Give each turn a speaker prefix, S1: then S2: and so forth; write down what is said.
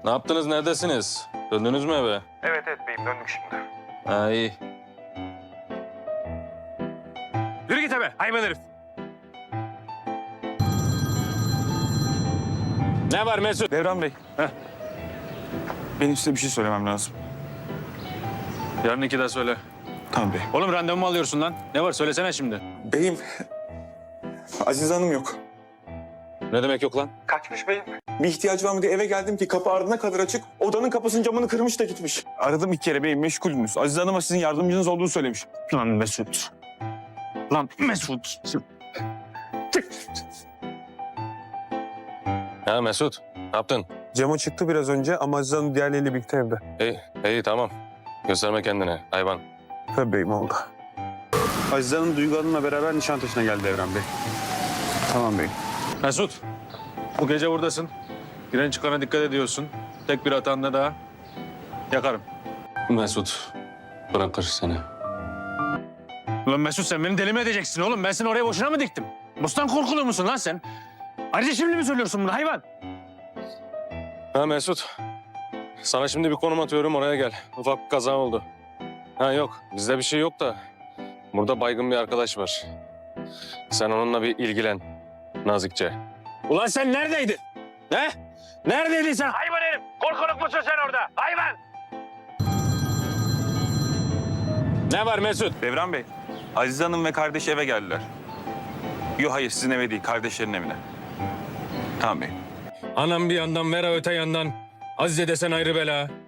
S1: Ne yaptınız, neredesiniz? Döndünüz mü eve?
S2: Evet beyim, döndük şimdi.
S1: Ha, iyi.
S2: Yürü git eve hayvan herif.
S1: Ne var Mesut?
S2: Devran Bey. Benim size bir şey söylemem lazım.
S1: Yarın 2'de söyle.
S2: Tamam bey.
S1: Oğlum randevu mu alıyorsun lan? Ne var söylesene şimdi.
S2: Beyim, Azize Hanım yok.
S1: Ne demek yok lan?
S2: Kaçmış beyim. Bir ihtiyacı var mı diye eve geldim ki kapı ardına kadar açık. Odanın kapısının camını kırmış da gitmiş. Aradım 2 kere beyim, meşgulünüz. Azize Hanım'a sizin yardımcınız olduğunu söylemiş. Lan Mesut. Lan Mesut.
S1: Ha Mesut, ne yaptın?
S3: Cemo çıktı biraz önce ama Azize Hanım diğerleriyle birlikte evde.
S1: İyi tamam. Gösterme kendine hayvan.
S3: Tabii beyim oldu.
S2: Azize Hanım Duygu Hanım'la beraber Nişantaşı'na geldi Devran Bey. Tamam beyim.
S1: Mesut, bu gece buradasın. Giren çıkana dikkat ediyorsun. Tek bir hatanda daha yakarım. Mesut, bırakır seni.
S4: Ulan Mesut sen beni deli mi edeceksin oğlum? Ben seni oraya boşuna mı diktim? Bustan korkulu musun lan sen? Ayrıca şimdi mi söylüyorsun bunu hayvan?
S1: Ha Mesut, sana şimdi bir konum atıyorum, oraya gel. Ufak bir kaza oldu. Ha yok, bizde bir şey yok da burada baygın bir arkadaş var. Sen onunla bir ilgilen nazikçe.
S4: Ulan sen neredeydin? He? Neredeydin sen hayvan herif? Korkuluk musun sen orada hayvan?
S1: Ne var Mesut?
S2: Devran Bey, Azize Hanım ve kardeşi eve geldiler. Yok hayır, sizin eve değil, kardeşlerin evine. Tamam bey.
S1: Anam bir yandan, Vera öte yandan. Azize desen ayrı bela.